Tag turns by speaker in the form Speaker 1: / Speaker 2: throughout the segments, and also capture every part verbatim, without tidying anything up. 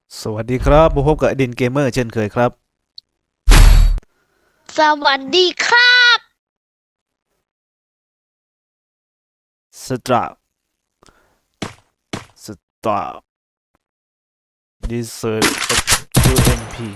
Speaker 1: สวัสดีครับพบกับอดินเกมเมอร์เช่นเคยครับ
Speaker 2: สวัสดีครับ
Speaker 1: สตราสตราดิเซอร์ยูเอ็นพี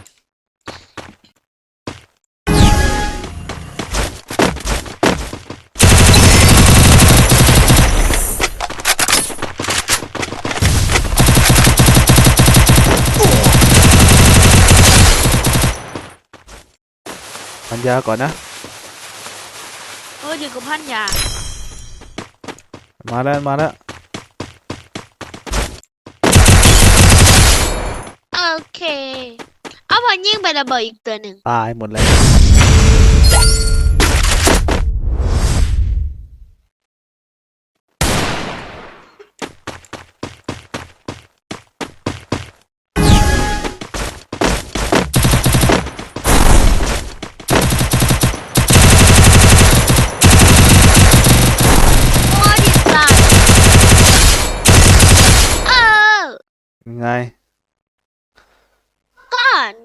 Speaker 1: พันยาก่อนนะ
Speaker 2: เอออยู่กับพันยา
Speaker 1: มาแล้วมาแล้ว
Speaker 2: โอเคเอาพอยิงไประเบิดอีกตัวหนึ่ง
Speaker 1: ตายหมดเลย
Speaker 2: โอ้ดิสายเออ
Speaker 1: ยังไง
Speaker 2: ก่อน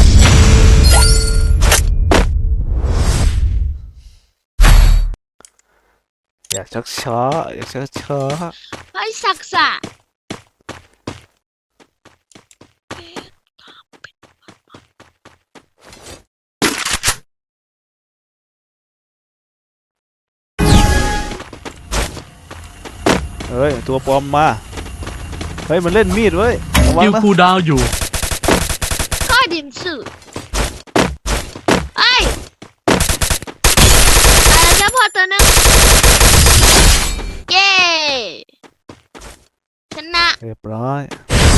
Speaker 1: อยากชักช้าอยากชักช้า
Speaker 2: ไอ้ศักดิ์ษะ
Speaker 1: เฮ้ยตัวปลอมมาเฮ้ยมันเล่นมีดเว้ยระวัง
Speaker 3: คิว
Speaker 1: นะ
Speaker 3: คูลดาวน์อยู่
Speaker 2: ข้อดินสื่อไอ้อะไรจะพอตัวหนึงเย้ชนะ
Speaker 1: เรียบร้อย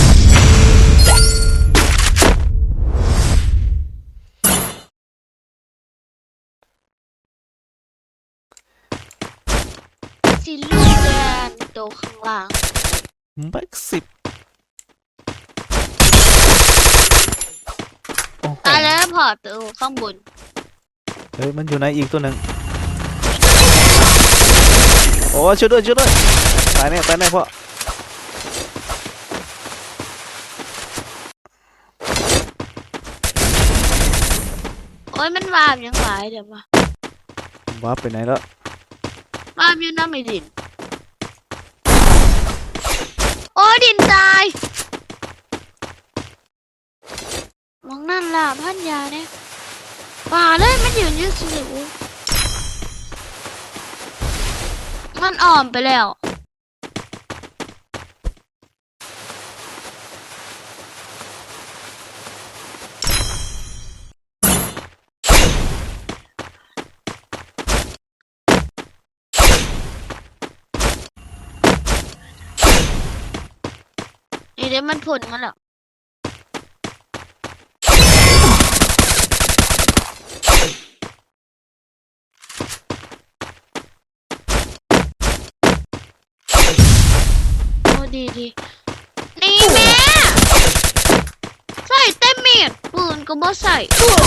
Speaker 2: สีลูกแดงตัวข้างล่าง
Speaker 1: แม็กสิบโอ้โห
Speaker 2: ตายแล้วพอตัวข้างบน
Speaker 1: เฮ้ยมันอยู่ไหนอีกตัวหนึ่งโอ้ช่วยด้วยช่วยด้วยตายแน่ตายแน่พ่อ
Speaker 2: โอ้ยมันวาบยังหลายเดี๋ยวมา
Speaker 1: ว้าร์ปไปไหนแล้ว
Speaker 2: วาบอยู่น้ำไม่ดินโอ้ดินตายมองนั่นล่ะพันยาเนี่ยป่าเลยมันยืนอยืดสิวมันอ่อมไปแล้วนี่เดี๋ยวมันผลมาแล้วโอ้ดีดีนี่แม่ใส่เต็มเมียดปืนก็บ่ใส่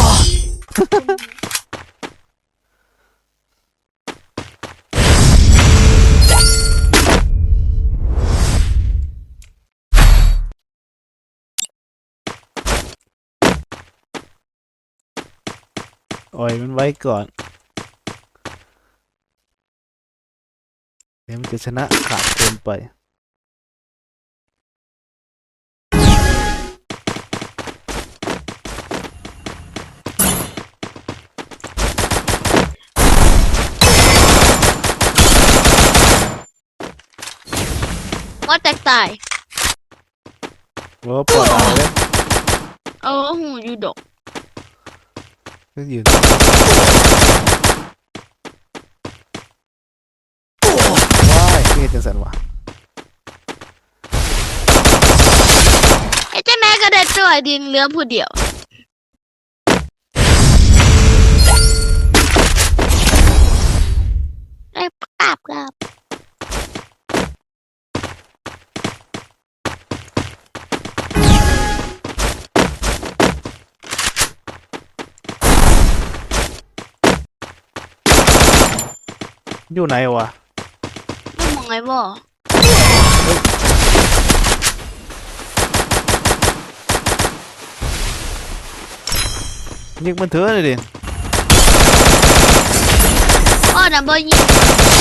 Speaker 1: อ่อยมันไว้ก่อนเดี๋ยวมันจะชนะขาดเกินไป
Speaker 2: ว่าแตกตาย
Speaker 1: โอ้ปวดตายเลย
Speaker 2: เออหูอยู่ดอก
Speaker 1: ก็ยืนว้ายนี่จังสันวะ
Speaker 2: ไอ้เจ้าแม่ก็ได้ตัวดินเหลือผู้เดียวไอ้กราบกราบ
Speaker 1: อยู่ไหนวะ
Speaker 2: ไม่มองไงบ่
Speaker 1: ยิงมันเถอะเลยดิ
Speaker 2: อ้อน่ะบ่ยิง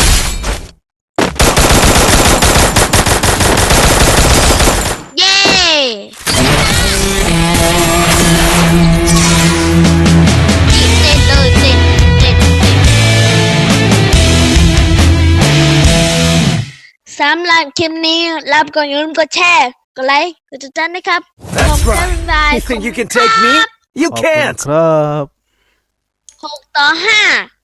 Speaker 2: เย้เจ็ดเลยเจ็ดเจ็ดเจ็ดสามล้านคลิปนี้รับก่อนอย่าลืมกดแชร์กดไลค์กดติดตามนะครับ
Speaker 3: That's right. You think you can take me? You
Speaker 1: ขอบคุณ
Speaker 3: can't.
Speaker 1: ครับ
Speaker 2: หกต่อห้า